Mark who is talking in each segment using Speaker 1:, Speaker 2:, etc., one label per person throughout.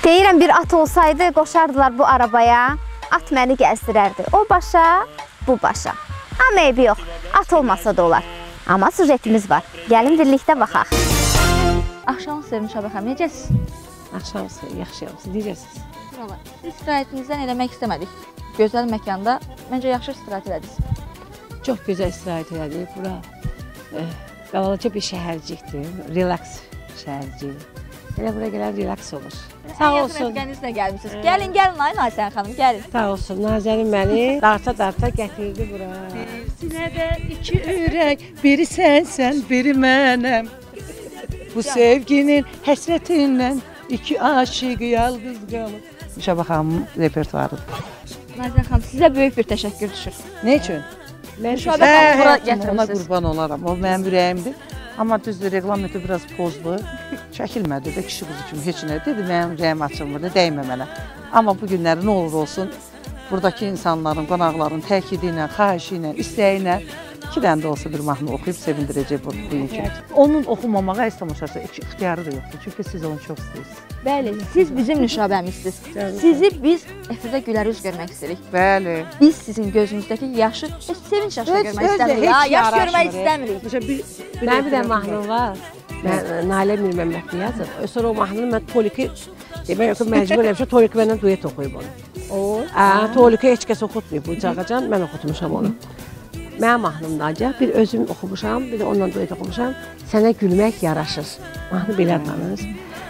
Speaker 1: Deyirəm, bir at olsaydı, qoşardılar bu arabaya, at məni gəzdirərdi. O başa, bu başa. Amma eybi yox, at olmasa da olar. Amma sujetimiz var. Gəlin birlikdə baxaq.
Speaker 2: Axşam sevmiş Şabəxəm, necəsiz?
Speaker 3: Axşam yaxşıyam, siz necəsiz?
Speaker 2: Siz istirahətinizdən eləmək istəmədik. Gözəl məkanda, məncə yaxşı istirahət elədiniz.
Speaker 3: Çox gözəl istirahət elədik. Bura qalalıca bir şəhərcikdir, relaks şəhərcik. Elə bura gələn relaks olur. Sağ olsun.
Speaker 2: Rəfiqənizlə gəlmişsiniz. Gəlin, Nazən xanım, gəlin.
Speaker 3: Sağ olsun, Nazənin məni darta-darta gətirdi bura.
Speaker 4: Bir sinədə iki ürək, biri sənsən, biri mənəm. Bu sevginin həsrətindən iki aşiq yalqız qalır. Şabəxanımın repertuarıdır.
Speaker 2: Nazən xanım, sizə böyük bir təşəkkür düşür.
Speaker 4: Ne üçün?
Speaker 2: Şabəxanı bura
Speaker 4: Ona
Speaker 2: gətirmişsiniz.
Speaker 4: qurban olaram, o mənim ürəyimdir. Amma düzdür, reglamenti biraz pozdu. Çəkilmədi də kişi qızı kimi heç nə dedi, mənim ürəyim açılmırdı, dəymə mənə. Amma bu günləri nə olur olsun, buradakı insanların, qonaqların təkidi ilə, xahişi ilə, istəyi ilə 2 dənə də olsa bir mahnı oxuyub sevindirəcək bu gün. Onun oxumamağa heç tamaşası ixtiyarı da yoxdur, çünki siz onu çox istəyirsiniz.
Speaker 2: Bəli, siz bizim nüşabəmizsiniz. Sizi biz efirdə gülər üz görmək istəyirik.
Speaker 4: Bəli.
Speaker 2: Biz sizin gözünüzdəki yaşı, sevinç yaşını görmək istəmirik. Yaş görmək istəmirik.
Speaker 3: Mənim bir də mahnım var. Mən Nalə Mir Məmmədli yazıb. Sonra o mahnını mən Toliki, demək ki, məcbur eləmişəm, Toliki mənlə duet oxuyub onu. Toliki heç kəs oxutmayıb bu cağacan, mən oxutmuşam onu. Mənim mahnımda ancaq bir özüm oxumuşam, bir də onunla duet oxumuşam. Sənə gülmək yaraşır. Mahnı belə adlanır.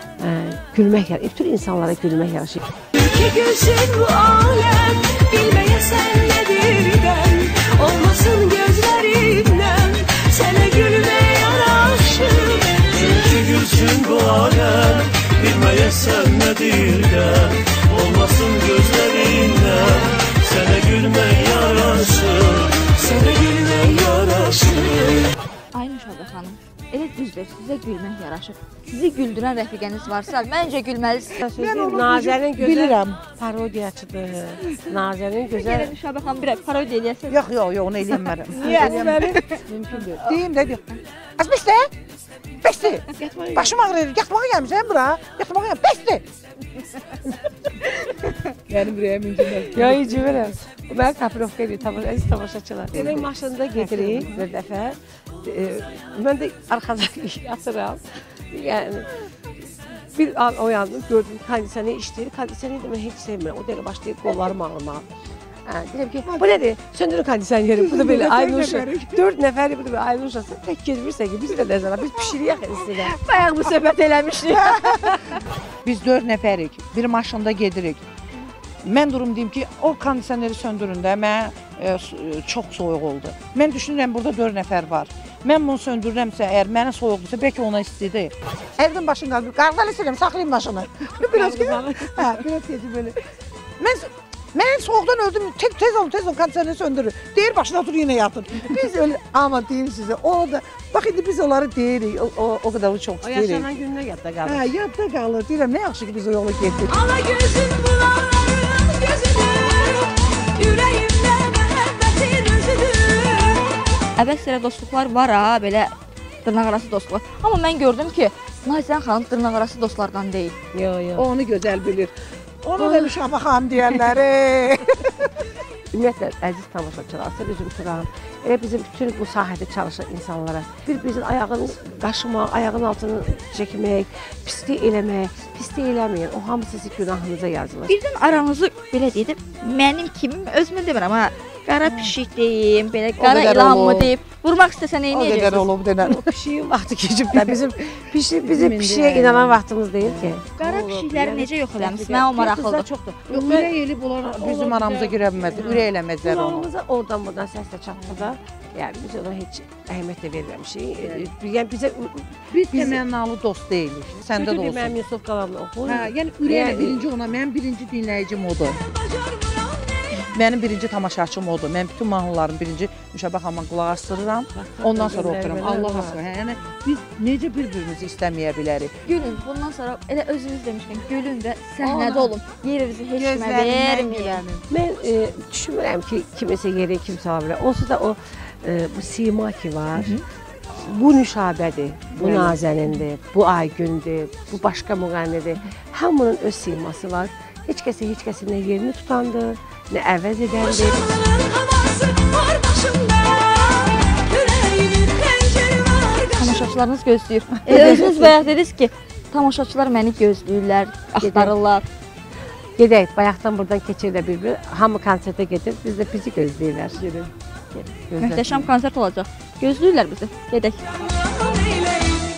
Speaker 3: Gülmək yaraşır. Bütün insanlara gülmək yaraşır.
Speaker 5: Ki gülsün bu aləm, bilməyəsən nədirdən, olmasın gözlərimdən, sənə gülmək yaraşır.
Speaker 6: Çünki gülsün bu aləm, bilməyəsən nədirdən, olmasın gözlərindən, sənə gülmək yaraşır, sənə gülmək yaraşır.
Speaker 2: Aynur Şabəxanım, elə düzdür, sizə gülmək yaraşır. Sizi güldürən rəfiqəniz varsa, məncə gülməlisiniz.
Speaker 3: Nazənin gözəl
Speaker 4: bilirəm.
Speaker 3: Parodiyacıdır. Nazənin gözəl...
Speaker 2: Gəlin Şabəxanım, bir parodiya eləyəsiniz.
Speaker 4: Yox, onu eləyəmərəm.
Speaker 3: Niyə?
Speaker 4: Mümkün deyil. Deyim də deyim. Az bəsdir. Bəsdir. Başım ağrıyır. Yatmağa gəlmişəm bura. Yatmağa gəlmişəm. Bəsdir. Mənim ürəyim incələr.
Speaker 3: Ya, incəmirəm. Mən kapirovka edir, əziz tamaşaçılar. Demək, maşında gedirik bir dəfə. Mən də arxadan yatıram. Yəni, bir an oyandım, gördüm kondisiyonu işləyir. Kondisiyonu demək heç sevmirəm. O dəqiqə başlayıb qollarım ağrımağa. Deyirəm ki, bu nədir? Söndürün kondisiyonu. Bu da belə Aynuşa. 4 nəfəri bu da belə Aynuşası. Tək gezmirsə ki, biz də nəzərə, biz pişiriyək sizinlə.
Speaker 2: Bayaq bu söhbət eləmişdik.
Speaker 4: Biz 4 nəfərik. Bir maşında gedirik. Mən durum deyim ki, o kondisioneri söndürün də, mən çox soyuq oldu. Mən düşünürəm, burada 4 nəfər var. Mən bunu söndürürəmsə, əgər mənə soyuqdursa, bəlkə ona istidir. Evdən başını qaldır, qardalı istəyirəm, saxlayayım maşını. Biraz gecə belə. Mən soğuqdan öldüm, tez olun, kondisioneri söndürür. Deyir, başına otur, yenə yatır. Biz öyle, amma deyim sizə, o da, bax, indi biz onları deyirik, o qədər çox
Speaker 3: O
Speaker 4: deyirik.
Speaker 3: yaşanan günlər yadda qalır.
Speaker 4: Hə, yadda qalır. Deyirəm, nə yaxşı ki, biz o yola getdik.
Speaker 5: Ala gözün bulaqların gözüdür, ürəyimdə məhəbbətin özüdür.
Speaker 2: Əbəs yerə dostluqlar var ha, belə dırnaqarası dostluqlar. Amma mən gördüm ki, Nazən xanım dırnaqarası dostlardan deyil.
Speaker 3: Yox.
Speaker 4: Onu gözəl bilir. Onu da Şabəxanım deyənləri.
Speaker 3: Ümumiyyətlə, əziz tamaşaçılar, sizə üzüm tuturam. Elə bizim bütün bu sahədə çalışan insanlara bir-birimizin ayağını qaşımaq, ayağın altını çəkmək, pislik eləmək, pislik eləməyin. O hamı sizin günahınıza yazılır.
Speaker 2: Birdən aranızı belə deyib, mənim kimim özümü demirəm ha. Qara pişik deyim, belə qara ilanmı deyib, vurmaq istəsə nə
Speaker 4: O qədər
Speaker 2: edəcəksiniz?
Speaker 4: olub denən.
Speaker 3: O pişiyin vaxtı keçib də bizim pişiyə inanan vaxtımız deyil ki.
Speaker 2: Qara pişikləri necə yox eləmişsiniz? Mən o maraqlıdır.
Speaker 3: Çoxdur.
Speaker 4: Ürək elib onlar bizim aramıza girə bilməz. Ürək eləməzlər onu.
Speaker 3: Qulağımıza oradan-buradan səslə çatdı da. Yəni biz ona heç əhəmiyyət də verməmişik. Yəni bizə
Speaker 4: Biz təmənnalı dost deyilik. Səndə də olsun.
Speaker 3: Mənim Yusuf Qalamla oxuyur.
Speaker 4: Hə, yəni ürəklə birinci ona, mənim birinci dinləyicim odur. Mənim birinci tamaşaçım odur. Mən bütün mahnıların birinci Şabəxanıma qulaq asdırıram. Ondan sonra oxuyuram. Allah aşkına. Yəni biz necə bir-birimizi istəməyə bilərik?
Speaker 2: Gülün, bundan sonra elə özünüz demişkən, gülün və səhnədə olun. Yerinizi heç kimə verməyin.
Speaker 3: Mən düşünmürəm ki, kiməsə yeri kimsə ala bilər. Onsuz da o bu sima ki var. bu Nüşabədir, bu Nazənindir, bu Aygündür, bu başqa müğənnidir. Hamının öz siması var. Heç kəsin nə yerini tutandır, nə əvəz edəndir.
Speaker 5: Boşanlığın havası var başımda, yüreğimin penceri var qarşımda.
Speaker 2: Tamaşaçılarınız gözləyir. Özünüz bayaq dediniz ki, tamaşaçılar məni gözləyirlər, axtarırlar.
Speaker 3: Gedək, bayaqdan buradan keçir də bir-bir. Hamı konsertə gedir, biz də bizi gözləyirlər.
Speaker 2: Möhtəşəm konsert olacaq. Gözləyirlər bizi. Gedək.